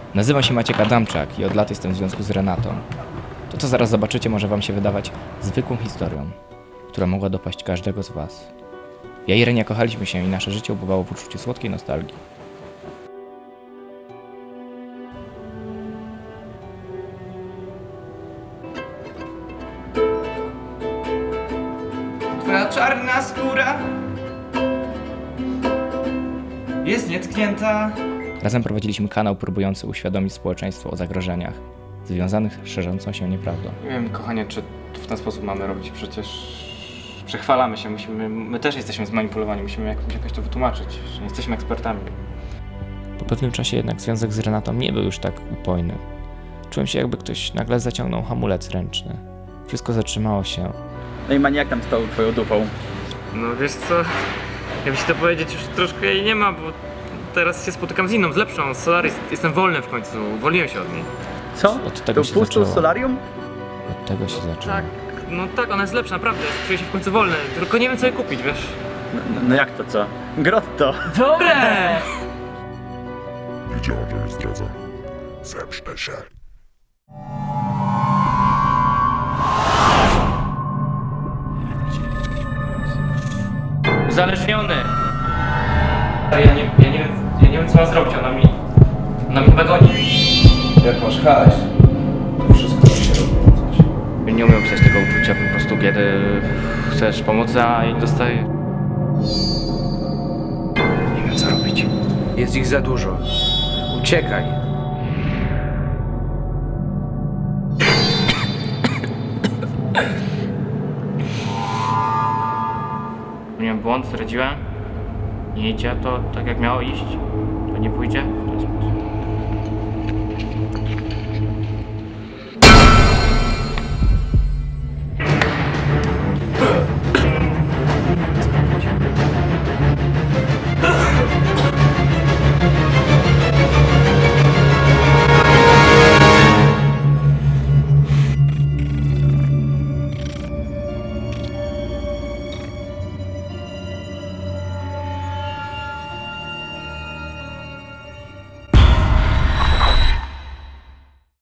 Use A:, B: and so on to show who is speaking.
A: Nazywam się Maciek Adamczak i od lat jestem w związku z Renatą. To, co zaraz zobaczycie, może wam się wydawać zwykłą historią, która mogła dopaść każdego z was. Ja i Renia kochaliśmy się i nasze życie ubywało w uczuciu słodkiej nostalgii. Twoja czarna skóra jest nietknięta. Razem prowadziliśmy kanał próbujący uświadomić społeczeństwo o zagrożeniach związanych z szerzącą się nieprawdą.
B: Nie wiem, kochanie, czy w ten sposób mamy robić, przecież przechwalamy się, my też jesteśmy zmanipulowani, musimy jakoś to wytłumaczyć, że nie jesteśmy ekspertami.
A: Po pewnym czasie jednak związek z Renatą nie był już tak upojny. Czułem się, jakby ktoś nagle zaciągnął hamulec ręczny. Wszystko zatrzymało się.
C: No i maniak tam stał twoją dupą.
B: No wiesz co, jakby ci to powiedzieć, już troszkę jej nie ma, bo teraz się spotykam z inną, z lepszą, z Solaris, jestem wolny w końcu, uwolniłem się od niej.
C: Co?
A: Od tego
C: To
A: się
C: pustą
A: zaczęło.
C: solarium?
A: Od tego się zaczęło.
B: Tak, no tak, ona jest lepsza, naprawdę, czuję się w końcu wolny, tylko nie wiem co jej kupić, wiesz.
C: No jak to co? Grotto!
B: Dobre!
D: Wiedziałem, że mnie zdradza. Zemszczę się.
B: Uzależniony! Ja nie wiem co mam zrobić, ona mi chyba goni.
E: Jak masz hajs, to wszystko ci się rozwiązać.
B: Nie umiem opisać tego uczucia po prostu, kiedy chcesz pomocy, a jej dostajesz. Nie wiem co robić.
E: Jest ich za dużo. Uciekaj.
B: Miałem błąd, zdradziłem. Nie idzie to tak jak miało iść. To nie pójdzie.